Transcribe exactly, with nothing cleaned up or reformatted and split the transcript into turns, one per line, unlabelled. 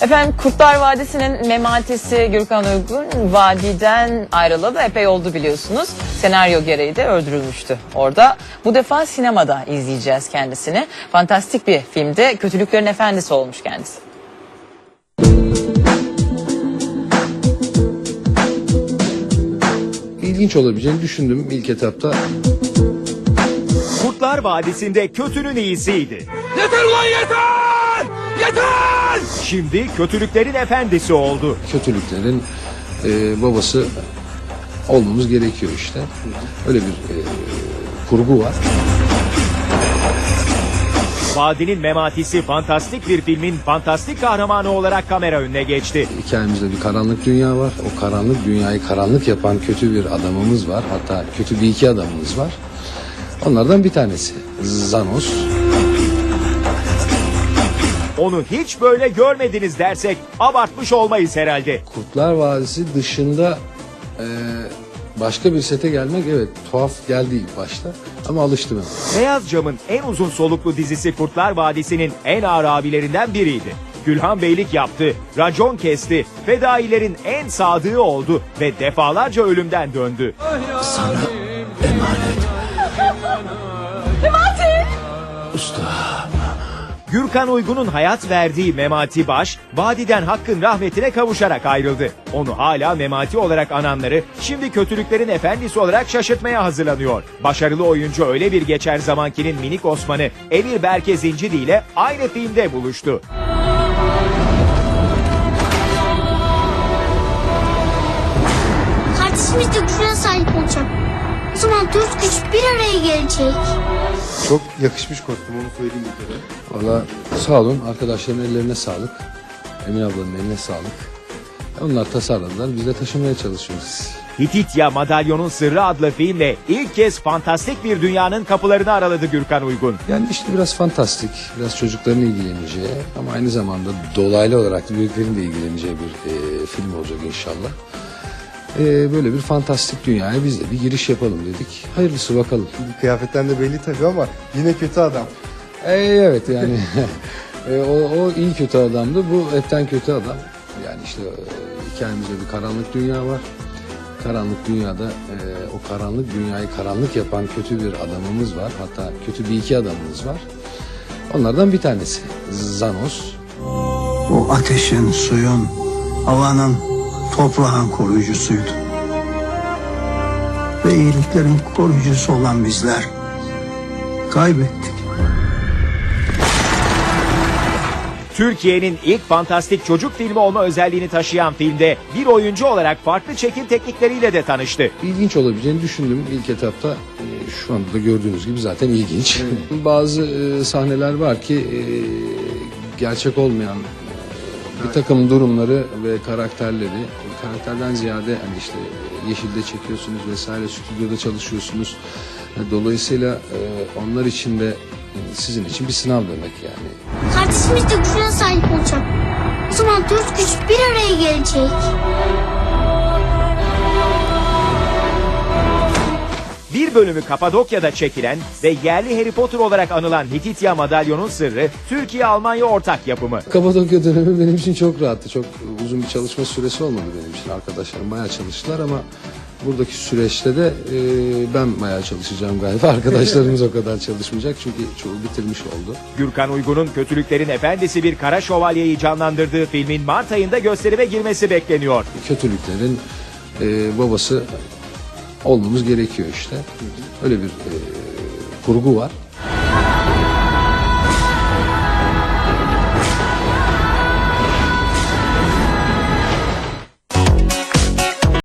Efendim Kurtlar Vadisi'nin mematesi Gürkan Uygun vadiden ayrılalı epey oldu biliyorsunuz. Senaryo gereği de öldürülmüştü orada. Bu defa sinemada izleyeceğiz kendisini. Fantastik bir filmde kötülüklerin efendisi olmuş kendisi.
İlginç olabileceğini düşündüm ilk etapta.
Kurtlar Vadisi'nde kötünün iyisiydi.
Yeter ulan yeter! Yeter!
Şimdi kötülüklerin efendisi oldu.
Kötülüklerin e, babası olmamız gerekiyor işte. Öyle bir e, kurgu var.
Vadinin mematisi fantastik bir filmin fantastik kahramanı olarak kamera önüne geçti.
Hikayemizde bir karanlık dünya var. O karanlık dünyayı karanlık yapan kötü bir adamımız var. Hatta kötü bir iki adamımız var. Onlardan bir tanesi Zanos.
Onu hiç böyle görmediniz dersek abartmış olmayız herhalde.
Kurtlar Vadisi dışında e, başka bir sete gelmek evet tuhaf geldi ilk başta ama alıştım hemen.
Beyaz Cam'ın en uzun soluklu dizisi Kurtlar Vadisi'nin en ağır abilerinden biriydi. Gülhan Beylik yaptı, racon kesti, fedailerin en sadığı oldu ve defalarca ölümden döndü.
Sana emanet.
Memati!
Usta.
Gürkan Uygun'un hayat verdiği Memati Baş, vadiden hakkın rahmetine kavuşarak ayrıldı. Onu hala Memati olarak ananları, şimdi kötülüklerin efendisi olarak şaşırtmaya hazırlanıyor. Başarılı oyuncu öyle bir geçer zamankinin minik Osman'ı Emir Berke Zincidi ile aynı filmde buluştu.
Kardeşimiz de gücüne sahip olacak. O zaman dört güç bir araya gelecek.
Çok yakışmış kostüm, onu söyleyeyim bir kere.
Valla sağ olun, arkadaşların ellerine sağlık. Emin ablanın eline sağlık. Onlar tasarladılar, biz de taşımaya çalışıyoruz.
Hititya Madalyonun Sırrı adlı filmle ilk kez fantastik bir dünyanın kapılarını araladı Gürkan Uygun.
Yani işte biraz fantastik, biraz çocukların ilgileneceği ama aynı zamanda dolaylı olarak büyüklerin de ilgileneceği bir e, film olacak inşallah. E, böyle bir fantastik dünyaya biz de bir giriş yapalım dedik. Hayırlısı bakalım.
Kıyafetten de belli tabii ama yine kötü adam.
E, evet yani e, o, o iyi kötü adamdı, bu hepten kötü adam. Yani işte e, hikayemizde bir karanlık dünya var. Karanlık dünyada e, o karanlık dünyayı karanlık yapan kötü bir adamımız var. Hatta kötü bir iki adamımız var. Onlardan bir tanesi Zanos.
O ateşin, suyun, havanın, toprağın koruyucusuydu. Ve iyiliklerin koruyucusu olan bizler kaybettik.
Türkiye'nin ilk fantastik çocuk filmi olma özelliğini taşıyan filmde bir oyuncu olarak farklı çekim teknikleriyle de tanıştı.
İlginç olabileceğini düşündüm ilk etapta. E, şu anda da gördüğünüz gibi zaten ilginç. Bazı e, sahneler var ki e, gerçek olmayan e, bir takım durumları ve karakterleri, karakterden ziyade hani işte Yeşil'de çekiyorsunuz vesaire, stüdyoda çalışıyorsunuz. Dolayısıyla e, onlar için de e, sizin için bir sınav demek yani.
Kardeşimiz de gücüne sahip olacak. O zaman dört güç bir araya gelecek.
Bir bölümü Kapadokya'da çekilen ve yerli Harry Potter olarak anılan Hititya Madalyonun Sırrı, Türkiye-Almanya ortak yapımı.
Kapadokya dönemi benim için çok rahattı. Çok uzun bir çalışma süresi olmadı benim için. Arkadaşlarım bayağı çalıştılar ama buradaki süreçte de e, ben bayağı çalışacağım galiba. Arkadaşlarımız o kadar çalışmayacak çünkü çoğu bitirmiş oldu.
Gürkan Uygun'un kötülüklerin efendisi bir kara şövalyeyi canlandırdığı filmin Mart ayında gösterime girmesi bekleniyor.
Kötülüklerin e, babası olmamız gerekiyor işte. Öyle bir e, kurgu var.